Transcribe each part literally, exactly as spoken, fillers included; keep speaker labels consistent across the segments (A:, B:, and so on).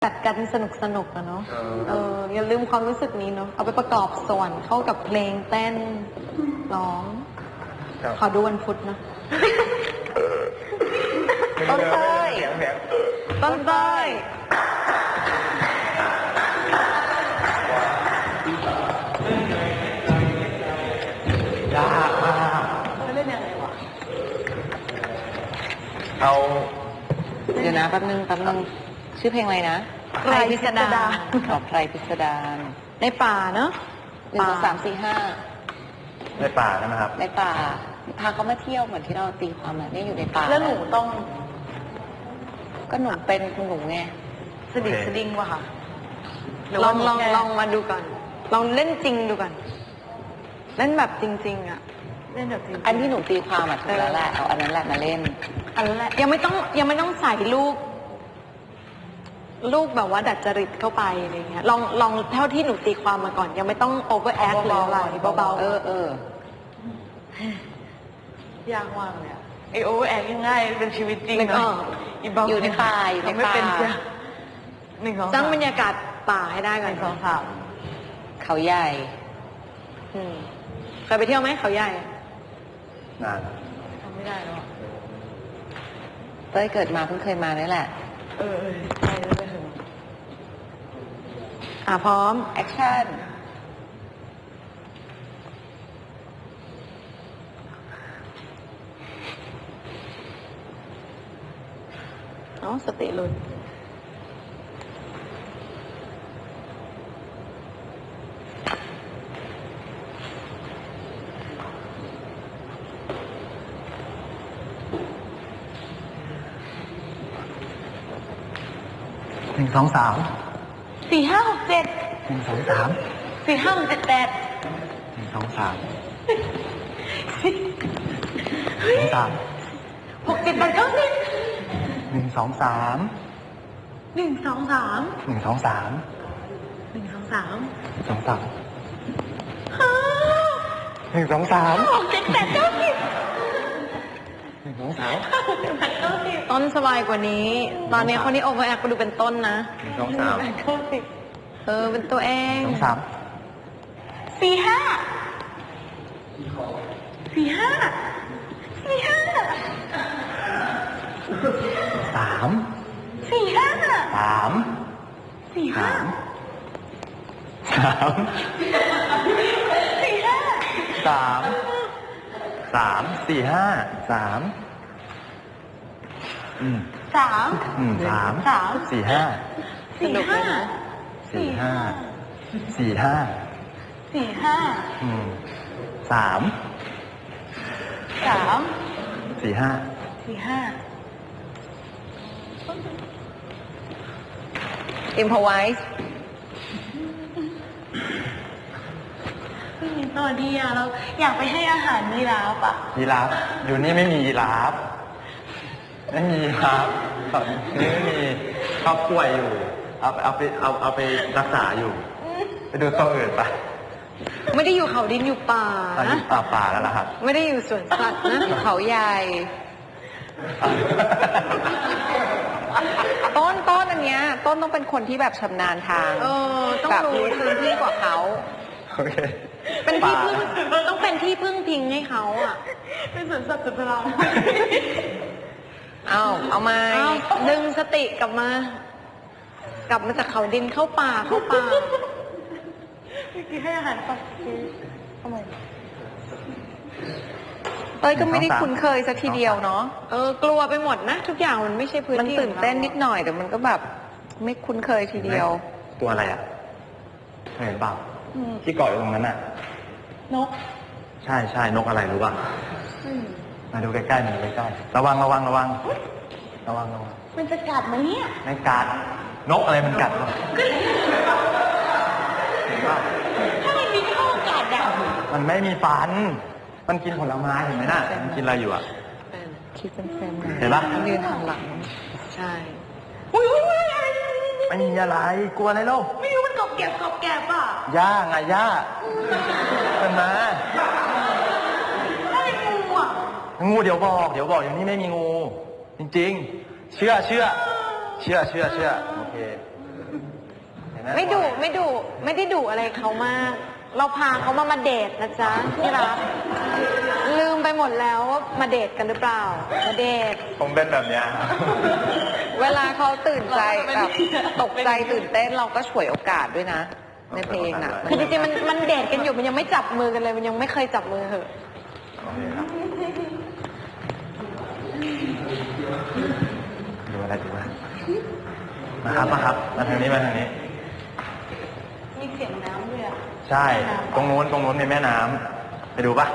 A: กัดกันสนุกสนุกอะเนาะเอออย่าลืมความรู้สึกนี้เนาะเอาไปประกอบส่วนเข้ากับเพลงเต้นร้องขอดูวันพุธนะต้นเต้ยต้นเต้ย
B: ยากมากเล่นยังไงวะเอาเดี๋ยวนะแป๊บนึงแป๊บนึงชื่อเพลงอะไรนะ
A: ไพรพิสดาร
B: อ๋อไพรพิสดาร
A: ในป่าเนาะ
B: หนึ่งสองสามสี่ห้าในป่าใช่ไหมครับในป่าพาเขามาเที่ยวเหมือนที่เราตีความอ่ะนี่อยู่ในป่า
A: แล้วหนูต้อง
B: ก็หนูเป็นคุณหนูไง
A: สดิสดิงวะค่ะลองลองลองมาดูก่อนลองเล่นจริงดูก่อนเล่นแบบจริงๆอ่ะเล่นแบบจริง
B: อันที่หนูตีความอ่ะถูกแล้วแหละเอาอันนั้นแหละมาเล่น
A: อันนั้นแหละยังไม่ต้องยังไม่ต้องใส่ลูกลูกแบบว่าดัดจริตเข้าไปอะไรเงี้ยลองลองเท่าที่หนูตีความมาก่อนยังไม่ต้องโอเวอร์แอคเลยอะไรเบาๆ
B: เออเอ
A: อยากว่างเลยไอโอเวอร์แอคง่ายเป็นชีวิตจริงเนาะ
B: อยู่ในป่าอยู่ในป่า
A: หนึ่งสองสร้างบรรยากาศป่าให้ได้ก่อนสองสาม
B: เขาใหญ่
A: เคยไปเที่ยวไหมเขาใหญ่
B: นาน
A: ทำไม่ได้แล้ว
B: เต้ยเกิดมาเพิ่งเคยมานี่แหละ
A: เออใช่แล้วไปถึงอ่ะพร้อม
B: แอคชั่น
A: อ๋อสติหลุด
B: หนึ่งสองสาม
A: สี่ห้าหกเจ็ด
B: หนึ่งสองสาม
A: สี่ห้าหกเจ็ดแปด
B: หนึ่งสองสามหนึ่งสาม
A: หกเจ็ดแปดเก้าสิบ
B: หนึ่งสองสาม
A: หนึ่งสองสาม
B: หนึ่งสองสาม
A: หนึ่งสองสาม
B: สองสามหนึ่งสองสาม
A: หกเจ็ดแปดเก้าสิบ
B: หนึ่งสองสาม
A: ต้นสบายกว่านี้ตอนนี้คนนี้โอเวอร์แอคไปดูเป็นต้นนะ
B: หนึ่งสองสาม
A: เออเป็นตัวเอง
B: สองสาม
A: สี่ห้าสี่ห้าสี่ห้า
B: สาม
A: สี่ห้า
B: สาม
A: สี่ห้า
B: สาม
A: สี่ห้า
B: สามสามสี่ห้าสามอืม
A: สาม
B: อืมสาม
A: สาม
B: สี่ห้า
A: สี่ห้า
B: สี่ห้าสี่ห้า
A: สี่ห้า
B: อืมสาม
A: สาม
B: สี่ห้า
A: สี่ห้าอิมพอไวส์ไม่มีตัวดีอะเราอยากไปให้อาหารยีราฟอะ
B: ยีราฟอยู่นี่ไม่มียีราฟไม่มีครับตอนนี้ไม่มีครอบป่วยอยู่เอาเอาไปเอาเอาไปรักษาอยู่ไปดูตัวอื่นปะ
A: ไม่ได้อยู่เขาดินอยู่ป่า
B: นะป่าป่าแล้วล่ะครับ
A: ไม่ได้อยู่สวนสัตว์นะเขาใหญ่
B: ต้นต้นอันเนี้ยต้นต้องเป็นคนที่แบบชำนาญทาง
A: เออต้องรู้พื้นที่กว่าเขา
B: โอเค
A: เป็นที่พึ่งต้องเป็นที่พึ่งพิงให้เขาอ่ะเป็นสวนสัตว์สุดพลัง
B: เอาเอามา
A: ดึงสติกลับมา กลับมาจากเขาดินเข้าป่าเข้าป่าเมื่อกี้ให้อาหารปลาทำไม
B: เต้ยก็ไม่ได้คุ้นเคยสักทีเดียวเนาะ
A: เออกลัวไปหมดนะทุกอย่างมันไม่ใช่พื้นที่
B: มันตื่นเต้นนิดหน่อยแต่มันก็แบบไม่คุ้นเคยทีเดียวตัวอะไรอ่ะเห็นเปล่าที่เกาะอยู่ตรงนั้นอ่ะ
A: นก
B: ใช่ใช่นกอะไรรู้ป่ะมาดูใกล้ๆมาดูใกล้ๆระวังระวังระวังระวังระวัง
A: มันจะกัดไหมเนี่ย
B: ไม่กัดนกอะไรมันกัดวะเห็นป่ะ
A: ถ้ามันมีข้อกัดอ่ะ
B: มันไม่มีฟันมันกินผลไม้เห็นไหมน่ะมันกินอะไรอยู่อ่ะ
A: คิดเป็นแฟน
B: เห็นป่ะ
A: มันยืนหันหลังใช่อุ้ยอุ้ยอุ้ยอะไร
B: ไม่มีอะไรกลัวอะไรลูก
A: ไม่รู้มันกบแกบกบแกบอ่ะ
B: ย่าไงย่าเป็นมางูเดี๋ยวบอกเดี๋ยวบอกอย่างนี้ไม่มีงูจริงๆเชื่อเชื่อเชื่อเชื่อเชื่อโอเค
A: ไม่ดุไม่ดุไม่ได้ดุอะไรเขามาก เราพาเขามามาเดทนะจ๊ะที่รักลืมไปหมดแล้วว่ามาเดทกันหรือเปล่ามาเดท
B: ผมเป็นแบบเนี้ย
C: เวลาเขาตื่นใจแบบตกใจตื่นเต้นเราก็ฉวยโอกาสด้วยนะ ในเพลงน่ะ
A: คือจริงๆมันมันเดทกันอยู่มันยังไม่จับมือกันเลยมันยังไม่เคยจับมือเหอะ
B: โอเคครับดูอะไรดูว่ามาครับมาครับมาทางนี้มาทางนี้
A: มีเสียงน้ำด้วยอ่ะ
B: ใช่ ตรงนู้นตรงนู้นมีแม่น้ำไปดูปะ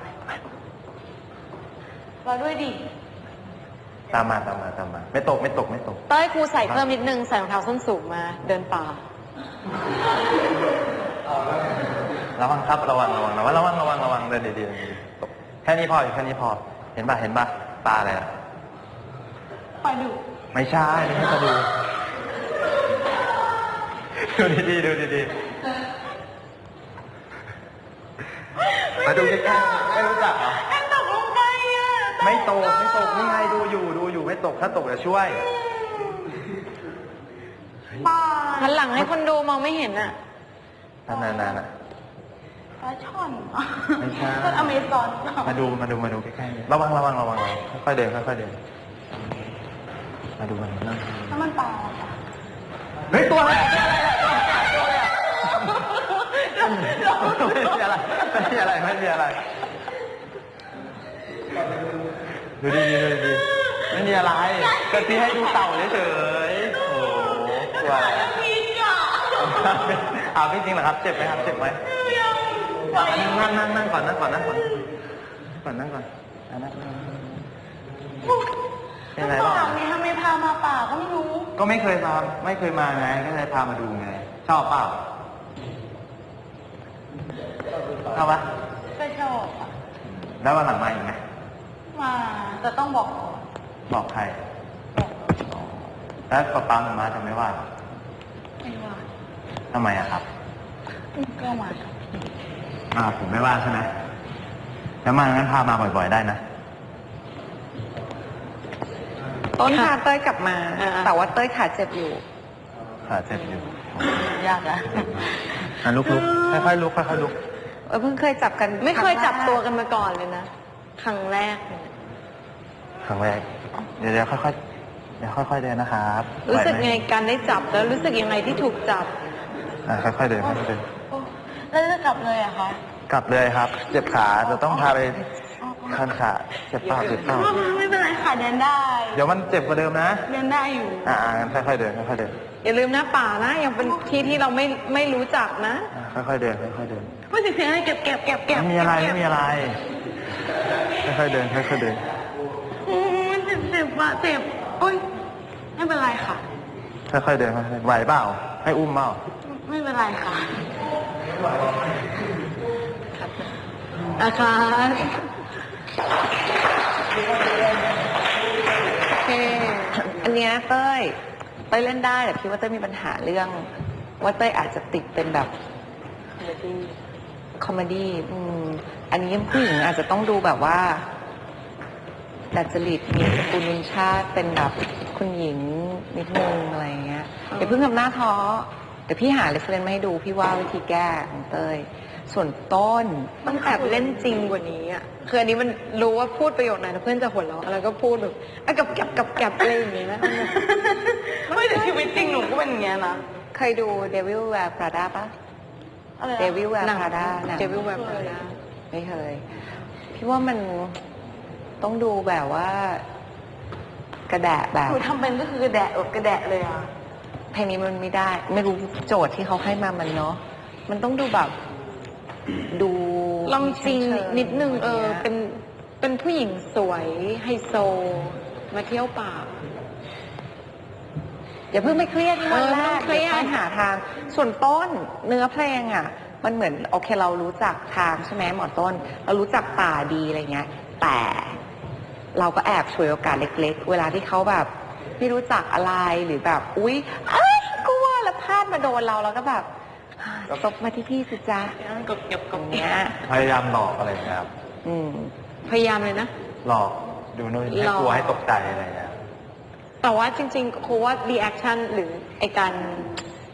A: เราด้วยดิ
B: ตามมาตามมาตามมา ไม่ตกไม่ตกไม่ตก
A: เต้ยครูใส่เพิ่มนิดนึงใส่รองเท้าส้นสูงมา เดินป่า
B: ระวังครับระวังระวังระวังระวังระวังระวังเดินดีๆตกแค่นี้พออยู่แค่นี้พอ เห็นปะเห็นปะปลาอะไรอะ
A: ปล่อยดุ
B: ไม่ใช่นี่ให้จะดู ดูดีๆดูดีๆมาดูใกล้ๆไม่รู้จักเหรอ
A: แอนตกลงไปอ่ะ
B: ไม่ตกไม่ตกนี่ไงดูอยู่ดูอยู่ไม่ตกถ้าตกจะช่วย
A: ป่าหันหลังให้คนดูมองไม่เห็นอ่ะ
B: นานๆนะ
A: ปลาช่อน
B: ไม่ใช่
A: ต้นอเมซอน
B: มาดูมาดูมาดูใกล้ๆระวังระวังระวังค่อยๆเดินค่อยๆเดินมาดูมาดูนั่ง
A: น้ำมันปลาค่ะ
B: เฮ้ยตัวอะไรไม่มีอะไรไม่มีอะไรไม่มีอะไรดูดีดูดีไม่มีอะไรก็ที่ให้ดูเต่าเฉยๆโอ้โหตัวอะไรอ้าวพี่จริงเหรอครับเจ็บไหมครับเจ็บไหมนั่งนั่งนั่งก่อนนั่งก่อนนั่งก่อนก่อนนั่งก่อนนั่งเป็นไรบ้าง
A: ป่าเนี่ยทำไมพามาป่าก็ไม่รู้
B: ก็ไม่เคยมาไม่เคยมาไงก็เลยพามาดูไงชอบเปล่าชอบปะ
A: ก็ชอบอ่ะ
B: แล้ววันหลังมาอีกไหม
A: มาแต่ต้องบอก
B: บอกใครแล้วป๊าป๊ามาจะไม่ว่า
A: ไม่ว่า
B: ทำไมอะครับ
A: ก็มา
B: อ่าผมไม่ว่าใช่ไหมแล้วมางั้นพามาบ่อยๆได้นะ
C: ต้นพาเต้ยกลับมา แต่ว่าเต้ยขาเจ็บอยู่
B: ขาเจ็บอยู่
A: ยากนะ
B: อ่ะลุกลุกค่อยๆลุกค่อยๆลุก
C: เออเพิ่งเคยจับกัน
A: ไม่เคยจับ
C: รั้งแรก
A: ตัวกันมาก่อนเลยนะครั้งแรกเนี่ย
B: ครั้งแรกเดี๋ยวเดี๋ยวค่อยๆเดี๋ยวค่อยๆเดินนะครับ
A: รู้สึก
B: หวหม
A: ไงการได้จับแล้วรู้สึกยังไงที่ถูกจับ
B: อ่ะค่อยๆเดินค่อยๆเดิน
A: แล้วจะกลับเลยอะคะ
B: กลับเลยครับ เจ็บขาจะต้องพาไปคันขาเจ็บเปล่าเจ็บเปล่า
A: ไม่เป็นไรค่ะเดินได้
B: เดี๋ยวมันเจ็บกว่าเดิมนะ
A: เดินได้อยู่
B: อ่างั้นค่อยๆเดินค่อยๆเดิน
A: อย่าลืมนะป่านะยังเป็นที่ที่เราไม่ไม่รู้จักนะ
B: อ่าค่อยๆเดินค่อยๆเดิน
A: พูดเสียงอะไรเก็บเก็บเก็บเก็บ
B: ไม่มีอะไรไม่มีอะไร ค่อยๆเดินค่อยๆเดิน
A: อืมเจ็บเจ็บว่ะเจ็บโอ้ยไม่เป็นไรค่ะ
B: ค่อยๆเดินค่อยๆเดินไหวเปล่าให้อุ้มเปล่า
A: ไม่เป็นไรค่ะอาคาร
C: โอเค อันเนี้ยเต้ยเต้ยเล่นได้แต่พี่ว่าเต้ยมีปัญหาเรื่อง ว่าเต้ยอาจจะติดเป็นแบบคอมเมดี้อืมอันนี้ผู้หญิงอาจจะต้องดูแบบว่าดัดจริตมีสกุลวินชาติเป็นแบบคุณหญิงนิดนึงอะไรอย่างเงี้ยอย่าเพิ่งทำหน้าท้อเดี๋ยวพี่หาเรฟเฟรนซ์มาให้ดูพี่ว่าวิธีแก้ของเต้ยส่วนต้น
A: ต้องแอบเล่นจริงกว่านี้อ่ะคืออันนี้มันรู้ว่าพูดประโยคไหนแล้วเพื่อนจะหัวเราะแล้วก็พูดแบบอ่ะกับกับกับกับอะไรอย่างเงี้ยนะไม่แต่ชีวิตจริงหนูก็เป็นอย่างเงี้ยนะ
C: เคยดู Devil Wear Prada ปะ
A: อะไรนะ
C: Devil Wear
A: หนัง
C: Prada หนัง
A: Devil Wear Prada
C: ไม่เคย พี่ว่ามันต้องดูแบบว่า กระแดะแบบ
A: หนูทำเป็นก็คือกระแดะแบบกระแดะเลยอ่ะ
C: เพลงนี้มันไม่ได้ ไม่รู้โจทย์ที่เขาให้มามันเนาะมันต้องดูแบบ ดู
A: ลองจริง
C: เชิๆ
A: นิดนึงเออ
C: ย่างงี้ย
A: เป็นเป็นผู้หญิงสวยไฮโซ มาเที่ยวป่า
C: อย่าเพิ่งไปเครียดที่วัน
A: เออ
C: แรก
A: ไม่ต้องเครียด
C: ดี๋วค่อหาทาง ส่วนต้นเนื้อเพลงอ่ะ มันเหมือนโอเคเรารู้จักทางใช่ไหมหมอต้น เรารู้จักป่าดีอะไรเงี้ย แต่เราก็แอบฉวยโอกาสเล็กๆ เวลาที่เขาแบบไม่รู้จักอะไรหรือแบบ อุ๊ยเอ้ยกลัวแล้วพลาดมาโดนเราแล้วก็แบบตบมาที่พี่สิจ๊ะ
A: กบเก็บก
C: ตร
A: บ
C: ง
A: เก็
C: เนี้ย
A: บ
B: พยายามหลอกอะไรอย่างเงี้ยครับ
C: อืม
A: พยายามเลยนะ
B: หลอกดูนู่นให้
A: หลอก
B: กลัวให้ตกใจอะไรอย่างเงี้ย
A: แต่ว่าจริงๆครูว่ารีแอคชั่นหรือไอการ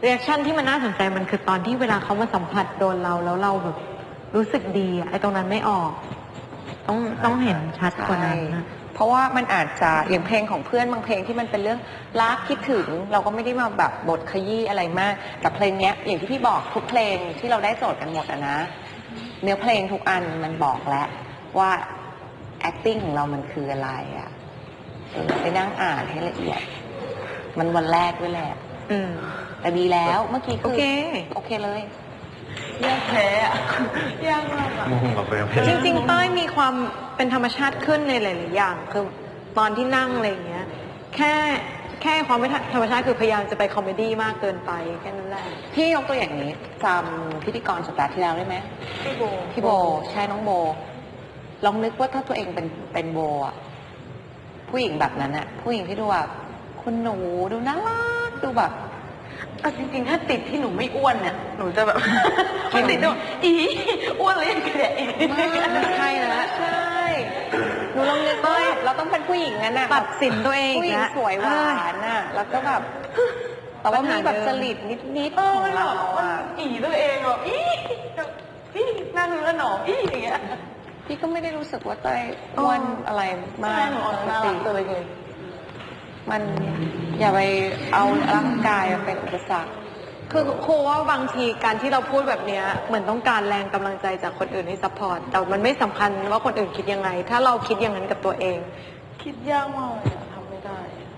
A: รีแอคชั่นที่มันน่าสนใจมันคือตอนที่เวลาเขามาสัมผัสโดนเราแล้วเราแบบรู้สึกดีอะไอ้ตรงนั้นไม่ออก ต้องต้องเห็นชัดกว่านั้นนะ
C: เพราะว่ามันอาจจะอย่างเพลงของเพื่อนบางเพลงที่มันเป็นเรื่องรักคิดถึง เราก็ไม่ได้มาแบบบทขยี้อะไรมากแต่เพลงเนี้ยอย่างที่พี่บอกทุกเพลงที่เราได้โจทย์กันหมดอะนะ เนื้อเพลงทุกอันมันบอกแล้วว่า acting ของเรามันคืออะไรอะเออไปนั่งอ่านให้ละเอียด มันวันแรกด้วยแหละ
A: อืม
C: แต่ดีแล้วเมื่อกี้
A: โอ
C: คือ
A: เค
C: โอเคเลย
A: ยากแพ้อะยากมากอะ
B: งงกับเพลงเพลง
A: จริงๆเต้ยมีความเป็นธรรมชาติขึ้นในหลายๆอย่างคือตอนที่นั่งอะไรอย่างเงี้ย แค่แค่ความไม่ธรรมชาติคือพยายามจะไปคอมเมดี้มากเกินไปแค่นั้นแหละ
C: พี่ยกตัวอย่างนี้จำพิธีกรสัปดาห์ที่แล้วได้ไหม
A: พี่โบ
C: พี่โบใช่น้องโบ ลองนึกว่าถ้าตัวเองเป็นเป็นโบอะผู้หญิงแบบนั้นอะผู้หญิงที่ดูแบบคุณหนูดูน่ารักดูแบบ
A: เอาจริงๆถ้าติดที่หนูไม่อ้วนเนี่ยหนูจะแบบ ไม่ติดด้วยอีอ้วนเลยยังแกะอีก
C: ไม่ใช่นะใช่หนูลองนึกว่าเราต้องเป็นผู้หญิงงั้นอะ
A: ตัดสินตัวเอง
C: ผู้หญิง
A: นะ
C: สวยหวานอะแล้วก็แบบแต่ว่ามีแบบจริตนิดๆของเราอะ
A: อีตัวเองอ่ะอีอีนั่งแล้วหนออีอย่างเงี้ย
C: พี่ก็ไม่ได้รู้สึกว่าเต้ยอ้วนอะไรมาก
A: หนู
C: ปก
A: น่ารั
C: ติ
A: กตัวเลย
C: มันอย่าไปเอาร่างกายมาเป็นอุปสรรค
A: คือครูว่าบางทีการที่เราพูดแบบเนี้ยเหมือนต้องการแรงกำลังใจจากคนอื่นให้ซัพพอร์ตแต่มันไม่สำคัญว่าคนอื่นคิดยังไง ถ้าเราคิดอย่างนั้นกับตัวเอง คิดยากมากเลยทำไม่ได้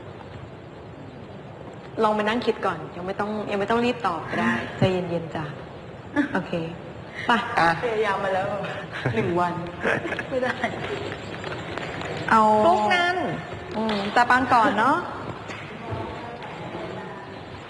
A: ลองไปนั่งคิดก่อน ยังไม่ต้องยังไม่ต้องรีบตอบก็ได้ใจเย็นๆจ้ะโอเคไป
C: อ่ะ
A: พยายามมาแล้วหนึ่งวัน ไม่ได้ เอา
C: ลูกนั้น
A: อืมแต่ปางก่อนเนาะ
C: อ